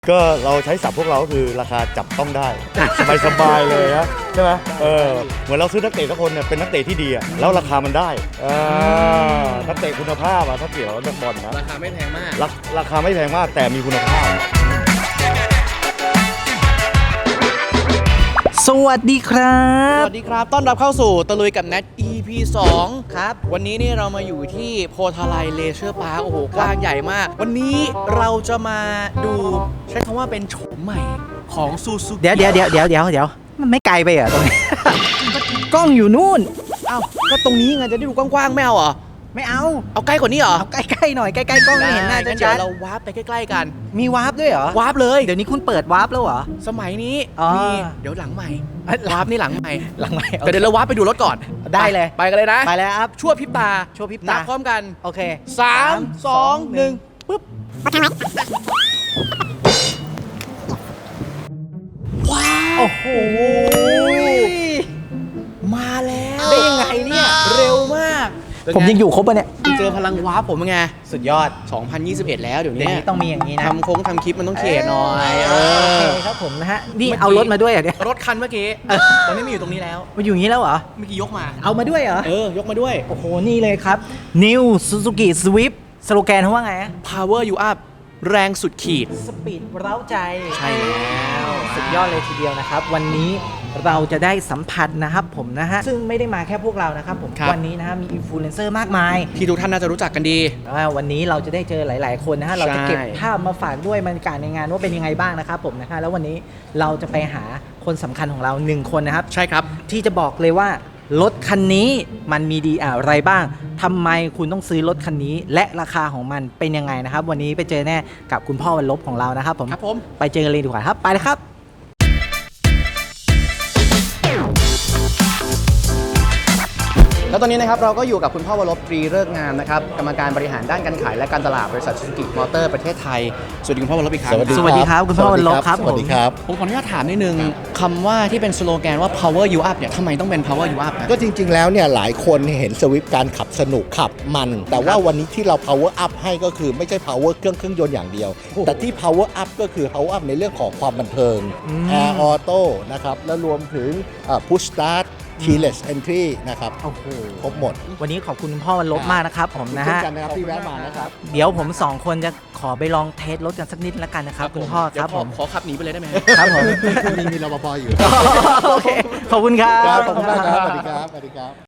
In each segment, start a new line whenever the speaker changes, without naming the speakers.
ก็เราใช้ศัพท์พวกเราก็คือราคาจับต้องได้ สบายๆเลยนะใช่ไหมเหมือนเราซื้อนักเตะทุกคนเนี่ยเป็นนักเตะที่ดีอะแล้วราคามันได้นักเตะคุณภาพอะถ้าเกี่ยวกับนักบอลนะ
ราคาไม่แพงมาก
ราคาไม่แพงมากแต่มีคุณภาพ
สวัสดีครับ
สวัสดีครับต้อนรับเข้าสู่ตะลุยกับแนท EP 2ครับวันนี้นี่เรามาอยู่ที่โพธาไลเลเชอร์พาร์คโอ้โหกว้างใหญ่มากวันนี้เราจะมาดูใช้คำว่าเป็นโฉมใหม่ของซูซูกิ
เดี๋ยวมันไม่ไกลไปเหรอตรงนี้ กล้องอยู่นู่น
เอ้าก็ตรงนี้ไงจะได้ดูกว้างๆไม่เอาเหรอ
ไม่เอา
ใกล้กว่านี้เหรอ
เอาใกล้ๆหน่อยใกล้ๆกล้องไม่เห็นหน้าจะชัด
เราวาร์ปไปใกล้ๆกัน
มีวาร์ปด้วยเหรอ
วาร์ปเลย
เดี๋ยวนี้คุณเปิดวาร์ปแล้วเหรอ
สมัยนี้มีเดี๋ยวหลังใหม่วาร์ปนี่หลังใหม่แต่เดี๋ยวเราวาร์ปไปดูรถก่อน
ได้เลย
ไปกันเลยนะ
ไปแล้วครับ
ชั่วพริบตานับพร้อมกัน
โอเค
3 2 1ปึ๊บว้าว
โอ้โห
มาแล้ว
ได้ยังไงเนี่ย
เร็วมาก
ผมยังอยู่ครบป่ะเนี่ย
เจอพลังวาร์ปผมไง
สุดยอด
2021แล้วเดี๋ยวนี้
ต้องมีอย่างนี้นะ
ทำโค้งทำคลิปมันต้องเขียนหน่อย
โอเคครับผมนะฮะนี่เอารถมาด้วยเหรอเนี่ย
รถคันเมื่อกี้ตอนนี้มาอยู่ตรงนี้แล้ว
มาอยู่อย่างนี้แล้วเหรอ
เมื่อกี้ยกมา
เอามาด้วยเหร
อยกมาด้วย
โอ้โหนี่เลยครับ New Suzuki Swift สโลแกนเขาว่าไง
Power you up แรงสุดขีด
สปีดเร้าใจ
ใช่แล้ว
สุดยอดเลยทีเดียวนะครับวันนี้เราจะได้สัมผัสนะครับผมนะฮะซึ่งไม่ได้มาแค่พวกเรานะครับผมวันนี้นะฮะมีอินฟลูเอนเซอร์มากมาย
ที่ทุกท่านน่าจะรู้จักกันดี
วันนี้เราจะได้เจอหลายๆคนนะฮะเราจะเก็บภาพมาฝากด้วยบรรยากาศในงานว่าเป็นยังไงบ้างนะครับผมนะฮะแล้ววันนี้เราจะไปหาคนสำคัญของเรา1คนนะครับ
ใช่ครับ
ที่จะบอกเลยว่ารถคันนี้มันมีดีอะไรบ้างทำไมคุณต้องซื้อรถคันนี้และราคาของมันเป็นยังไงนะครับวันนี้ไปเจอแน่กับคุณพ่อวันลบของเรานะครับผมไปเจอกันเลยดีกว่าครับไปเลยครับ
แล้วตอนนี้นะครับเราก็อยู่กับคุณพ่อวรบตรีฤกษ์งามนะครับกรรมการบริหารด้านการขายและการตลาดบริษัทซูซูกิมอเตอร์ประเทศไทยสวัสดีคุณพ่อวรบอีกครั้ง
สวัสดีครับคุณพ่อวรบครับ
สวัสดีครับ
ผมขออนุญาตถามนิดนึงคำว่าที่เป็นสโลแกนว่า power you up เนี่ยทำไมต้องเป็น power you up
ก็จริงๆแล้วเนี่ยหลายคนเห็นสวิฟต์การขับสนุกขับมันแต่ว่าวันนี้ที่เรา power up ให้ก็คือไม่ใช่ power เครื่องยนต์อย่างเดียวแต่ที่ power up ก็คือ power up ในเรื่องของความบันเทิง air auto นะครับแล้วรวมถึงpush start keyless entry นะครับ
โอ้โห
ครบหมด
วันนี้ขอบคุณพ่อวันลบมากนะครับผมนะฮะ
ที่แวะมานะครับ
เดี๋ยวผม2คนจะขอไปลองเทสรถกันสักนิดแล้วกันนะครับคุณพ่อครับผม
ขอขับหนีไปเลยได้ไหม
ครับผม
มีรปภอยู่
โอเคขอบคุณครับ
ขอบคุณมากครับสวัสดีครับสวัสดีครับ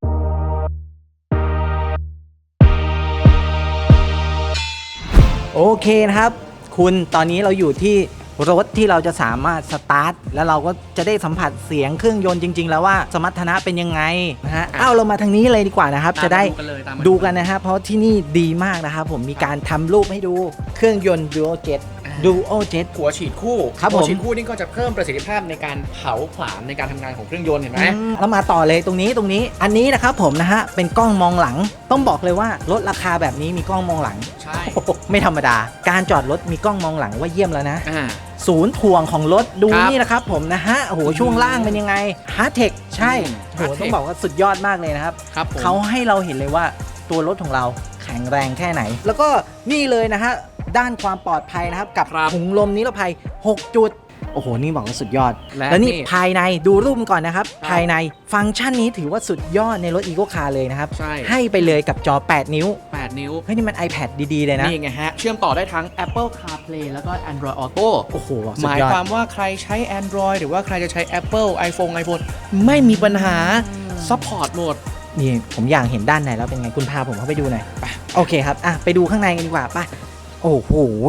โอเคนะครับคุณตอนนี้เราอยู่ที่รถที่เราจะสามารถสตาร์ทแล้วเราก็จะได้สัมผัสเสียงเครื่องยนต์จริงๆแล้วว่าสมรรถนะเป็นยังไงนะฮะเรามาทางนี้เลยดีกว่านะครับจะได้ดูกันนะฮะเพราะที่นี่ดีมากนะครับผมมีการทำรูปให้ดูเครื่องยนต์ Dual Jet
หัวฉีดคู่
ครับผม
หัวฉีดคู่นี่ก็จะเพิ่มประสิทธิภาพในการเผาผลาญในการทำงานของเครื่องยนต์เห็นไหม
แล้วมาต่อเลยตรงนี้อันนี้นะครับผมนะฮะเป็นกล้องมองหลังต้องบอกเลยว่ารถราคาแบบนี้มีกล้องมองหลัง
ใช่
ไม่ธรรมดาการจอดรถมีกล้องมองหลังว่าเยี่ยมแล้วนะศูนย์ถ่วงของรถดูนี่นะครับผมนะฮะโอ้โหช่วงล่างเป็นยังไงฮาร์ดเทคใช่โหต้องบอกว่าสุดยอดมากเลยนะครับเขาให้เราเห็นเลยว่าตัวรถของเราแข็งแรงแค่ไหนแล้วก็นี่เลยนะฮะด้านความปลอดภัยนะครับกับถุงลมนิรภัย6จุดโอ้โหนี่บอกว่าสุดยอดแล้วนี่ภายในดูรูปก่อนนะครับภายในฟังก์ชันนี้ถือว่าสุดยอดในรถ Eco Car เลยนะครับให้ไปเลยกับจอ8นิ้วเฮ้ยนี่มัน iPad ดีๆเลยนะ
นี่ไงฮะเชื่อมต่อได้ทั้ง Apple CarPlay แล้วก็ Android Auto
โอ้โห
หมายความว่าใครใช้ Android หรือว่าใครจะใช้ Apple iPhone ไม่มีปัญหา Support หมด
นี่ผมอยากเห็นด้านในแล้วเป็นไงคุณพาผมเข้าไปดูหน่อยไปโอเคครับไปดูข้างในกันดีกว่าไปโอ้โห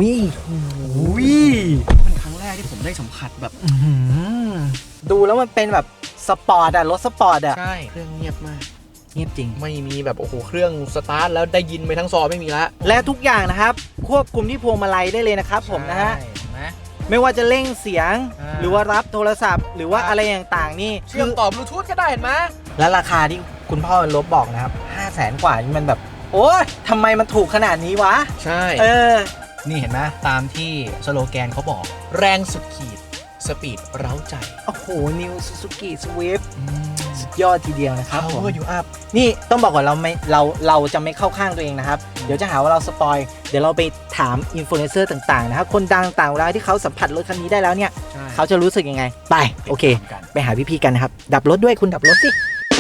เป็นครั้งแรกที่ผมได้สัมผัสแบบ
ดูแล้วมันเป็นแบบสปอร์ตรถสปอร์ต
ใช่เครื่องเงียบมาก
เงียบจริง
ไม่มีแบบโอ้โหเครื่องสตาร์ทแล้วได้ยินไปทั้งซอไม่มีละ
และทุกอย่างนะครับควบคุมที่พวงมาลัยได้เลยนะครับผมนะฮะไม่ว่าจะเร่งเสียงหรือว่ารับโทรศัพท์หรือว่าอะไรต่างๆนี่
เชื่อมต่อบลูทูธก็ได้เห็นไหม
และราคาที่คุณพ่อลบบอกนะครับ500,000 กว่านี่มันแบบโอ้ยทำไมมันถูกขนาดนี้วะ
ใช่นี่เห็นไหมตามที่สโลแกนเขาบอกแรงสุดขีดสปีดเร้าใจ
โอ้โห New Suzuki Swift สุดยอดทีเดียวนะครับ
Power you up
นี่ต้องบอกก่อนเราจะไม่เข้าข้างตัวเองนะครับเดี๋ยวจะหาว่าเราสปอยเดี๋ยวเราไปถามอินฟลูเอนเซอร์ต่างๆนะครับคนดังต่างๆเวลาที่เขาสัมผัสรถคันนี้ได้แล้วเนี่ยเขาจะรู้สึกยังไงไปโอเคไปหาพี่ๆกันนะครับดับรถด้วยคุณดับรถสิ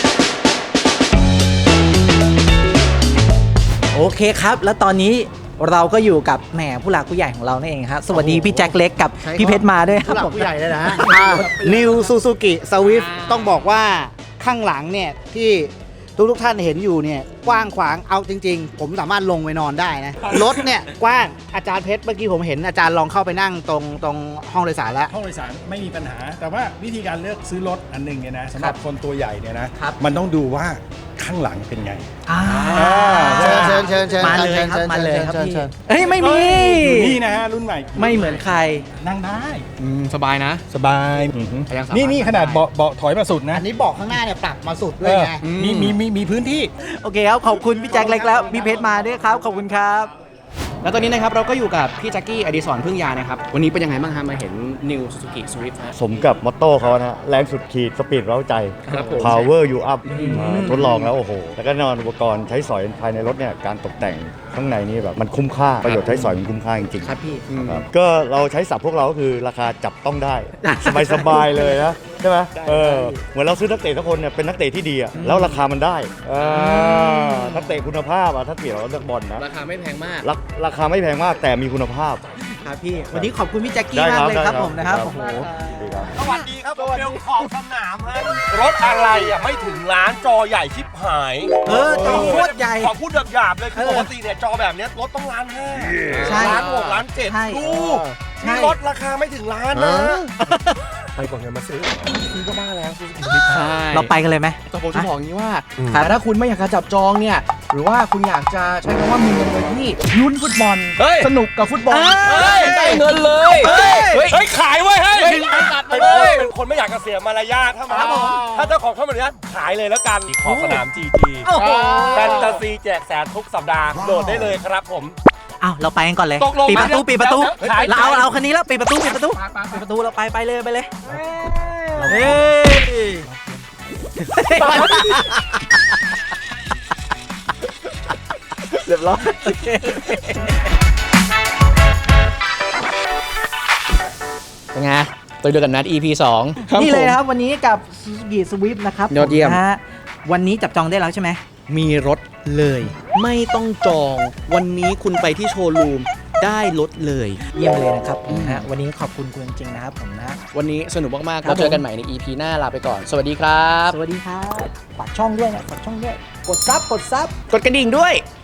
โอเคครับแล้วตอนนี้เราก็อยู่กับแหมผู้หลักผู้ใหญ่ของเรานั่นเองครับสวัสดีพี่แจ็คเล็กกับพี่เพชรมาด้วยครับผม
ผู้ใหญ่เลยนะ New Suzuki Swift ต้องบอกว่าข้างหลังเนี่ยที่ทุกท่านเห็นอยู่เนี่ยกว้างขวางเอาจริงๆ ผมสามารถลงไปนอนได้นะ รถเนี่ยกว้างอาจารย์เพชรเมื่อกี้ผมเห็นอาจารย์ลองเข้าไปนั่งตรงห้องโดยสารแล้ว
ห้องโดยสารไม่มีปัญหา แต่ว่าวิธีการเลือกซื้อรถอันหนึ่งเนี่ยนะสำหรับคนตัวใหญ่เนี่ยนะมันต้องดูว่าข้างหลังเป็นไง
เชิญ
มาเลยครับมาเลยครับพี่
เชิญ
เฮ้ยไม่มี
นี่นะฮะรุ่นใหม่
ไม่เหมือนใคร
นั่งได้
สบายนะ
สบาย
ยังสามารถ
นี่ขนาดเบาะถอยมาสุดนะ
อันนี้เบอกข้างหน้าเนี่ยปรับมาสุดด้วยไง
มีพื้นที่
โอเคครับขอบคุณพี่แจ็คเล็กแล้วพี่เพชรมาด้วยครับขอบคุณครับ
แล้วตอนนี้นะครับเราก็อยู่กับพี่แจ็คกี้อดิศรพึ่งยานะครับวันนี้เป็นยังไงบ้างฮะมาเห็น New Suzuki Swift ฮะ
สมกับมอตโต้เขานะฮะแรงสุดขีดสปีดเร้าใจ
ครับผม
power you up ทดลองแล้วโอ้โห แล้วก็แน่นอนอุปกรณ์ใช้สอยภายในรถเนี่ยการตกแต่งข้างในนี่แบบมันคุ้มค่าประโยชน์ใช้สอยมันคุ้มค่าจริงๆ
ครับพี่
ครับก็เราใช้ศัพท์พวกเราก็คือราคาจับต้องได้ สบายๆเลยนะใช่ไหมเหมือนเราซื้อนักเตะทุกคนเนี่ยเป็นนักเตะที่ดีอะแล้วราคามันได้นักเตะคุณภาพอะถ้าเกี่ยวกับเรื่องบอลนะ
ราคาไม่แพงมาก
ราคาไม่แพงมากแต่มีคุณภาพ
ครับพี่วันนี้ขอบคุณพี่แจ็คกี้
ได้
มาก
ครับ
เลยครับ
ได้ครับ
ผมนะครับ
ครับ
โอ้โห
ดีครับ
สวัสดีครับผมเบลของสนามฮะรถอะไรอ่ะไม่ถึงล้านจอใหญ่ชิบหาย
จอโคตรใหญ่
ขอพูดหยาบๆเลยคือปกติเนี่ยจอแบบเนี้ยรถต้องล้านห้า
ใช่
ล้านหกล้านเจ็ด
ใช่
ดู
ใช่
นี่รถราคาไม่ถึงล้านนะไปกว่าเงินมาซื้อก็บ้าแล้ว
ใช่
เราไปกันเลยไหม
แต่ผมจะบอกอย่างนี้ว่า
ครับ
แต่ถ้าคุณไม่อยากจะจับจองเนี่ย หรือว่าคุณอยากจะใช้คำว่ามีเงินเลยที่ลุ้นฟุตบอล สนุกกับฟุตบอล
ได้เงินเลยเฮ้ยขายไว้เฮ้ยเป็นคนไม่อยากจะเสียมารยาทถ้าเจ้าของเข้ามาเนี่ยขายเลยแล้วกันขอบสนาม GG แฟนตาซีแจกแสนทุกสัปดาห์โหลดได้เลยครับผม
อ้าวเราไปกันก่อนเลย
ตกลง
ปิดประตู
เดี๋ยว
ปิดประตู
เดี๋ยวขาย
เราคันนี้แล้วปิดประตูปิดประตูปิดประตูเราไปเลยไปเลยเฮ้ยเรียบร้อย
เป็นไงตัวเดียวกันนัด EP 2
นี่เลยนะครับวันนี้กับ Suzuki Swift นะครับ
ยอดเยี่ยม
นะฮะวันนี้จับจองได้แล้วใช่ไหม
มีรถเลย ไม่ต้องจอง วันนี้คุณไปที่โชว์รูมได้รถเลย
เยี่ยมเลยนะครับนะฮะวันนี้ขอบคุณคุณจริงๆนะครับผมนะ
วันนี้สนุกมากๆ
ครั
แล้
บ
วเจอกันใหม่ใน EP หน้าลาไปก่อน สวัสดีครับ
สวัสดีครับฝากช่องด้วยนะฝากช่องด้วยกดซับ
กดกระดิ่งด้วย